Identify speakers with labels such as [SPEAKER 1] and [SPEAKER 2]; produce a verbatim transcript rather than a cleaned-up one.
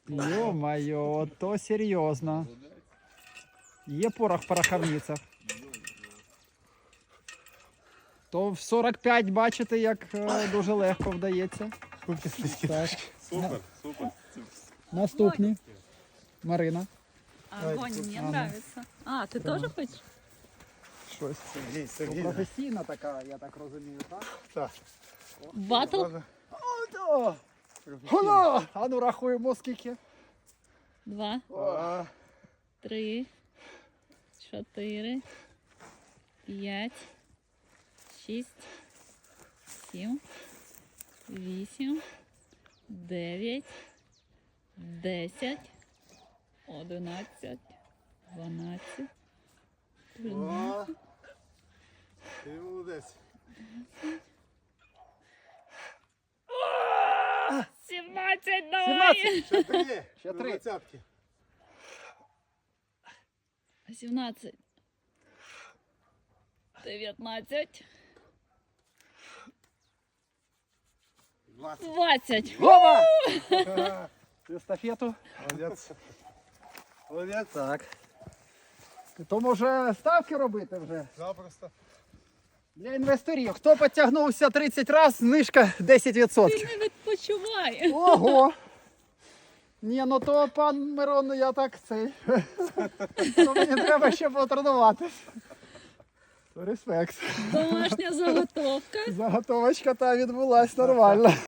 [SPEAKER 1] Йо-моє, то серйозно. Є порох в пороховницях. То в сорок п'ять бачите, як е, дуже легко вдається. Так.
[SPEAKER 2] Супер, супер.
[SPEAKER 1] Наступні. Марина.
[SPEAKER 3] Огонь мне нравится. А, ты тоже хочешь?
[SPEAKER 1] Щось.
[SPEAKER 2] Сергій, Сергій.
[SPEAKER 1] Професійна така, я так розумію, так?
[SPEAKER 2] Так.
[SPEAKER 3] Батл?
[SPEAKER 1] Хола! А ну рахуємо скільки.
[SPEAKER 3] Два,
[SPEAKER 2] А,
[SPEAKER 3] три, чотири, п'ять, шість, сім, вісім, дев'ять, десять, одинадцять, дванадцять, тринадцять.
[SPEAKER 2] о, ти молодець.
[SPEAKER 3] сімнадцять, давай!
[SPEAKER 2] Ще три.
[SPEAKER 1] Ще
[SPEAKER 2] до
[SPEAKER 1] три.
[SPEAKER 2] двадцятки.
[SPEAKER 3] сімнадцять, дев'ятнадцять,
[SPEAKER 2] двадцять.
[SPEAKER 3] двадцять.
[SPEAKER 1] Гома!
[SPEAKER 2] Ага.
[SPEAKER 1] Естафету.
[SPEAKER 2] Молодець. Молодець.
[SPEAKER 1] Так. То може ставки робити вже?
[SPEAKER 2] Запросто.
[SPEAKER 1] Для інвесторів. Хто підтягнувся тридцять разів, знижка десять відсотків.
[SPEAKER 3] Ти не відпочивай.
[SPEAKER 1] Ого! Ні, ну то пан Мирон, я так цей. То мені треба ще потренуватись. Респект.
[SPEAKER 3] Домашня заготовка.
[SPEAKER 1] Заготовочка та відбулась нормально.